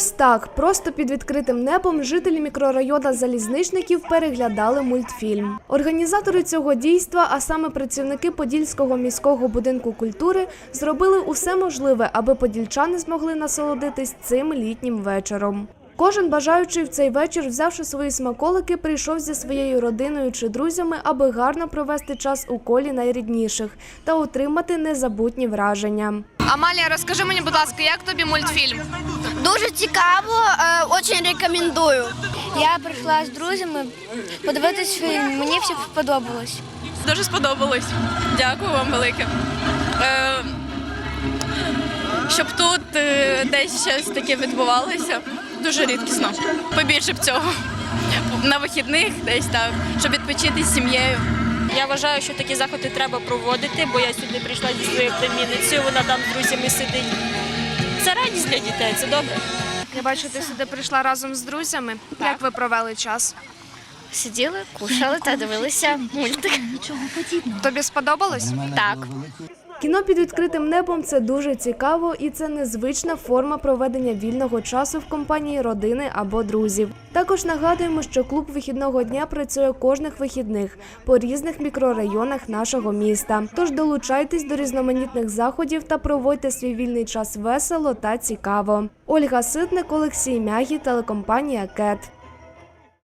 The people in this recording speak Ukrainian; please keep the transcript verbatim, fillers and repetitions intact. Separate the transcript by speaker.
Speaker 1: Ось так, просто під відкритим небом жителі мікрорайону Залізничників переглядали мультфільм. Організатори цього дійства, а саме працівники Подільського міського будинку культури, зробили усе можливе, аби подільчани змогли насолодитись цим літнім вечором. Кожен бажаючий в цей вечір, взявши свої смаколики, прийшов зі своєю родиною чи друзями, аби гарно провести час у колі найрідніших та отримати незабутні враження.
Speaker 2: Амалія, розкажи мені, будь ласка, як тобі мультфільм?
Speaker 3: Дуже цікаво, дуже рекомендую. Я прийшла з друзями подивитись фільм, мені все сподобалось.
Speaker 4: Дуже сподобалось. Дякую вам велике. Е, щоб тут е, десь щось таке відбувалося, дуже рідкісно. Побільше б цього. На вихідних десь так, щоб відпочити з сім'єю.
Speaker 5: Я вважаю, що такі заходи треба проводити, бо я сюди прийшла зі своєю племінницею, вона там з друзями сидить. Це радість для дітей, це добре.
Speaker 2: Я бачу, ти сюди прийшла разом з друзями. Як ви провели час?
Speaker 3: Сиділи, кушали та дивилися мультик.
Speaker 2: Тобі сподобалось?
Speaker 3: Так.
Speaker 1: Кіно під відкритим небом – це дуже цікаво і це незвична форма проведення вільного часу в компанії родини або друзів. Також нагадуємо, що клуб вихідного дня працює кожних вихідних по різних мікрорайонах нашого міста. Тож долучайтесь до різноманітних заходів та проводьте свій вільний час весело та цікаво. Ольга Ситник, Олексій Мягі, телекомпанія «Кет».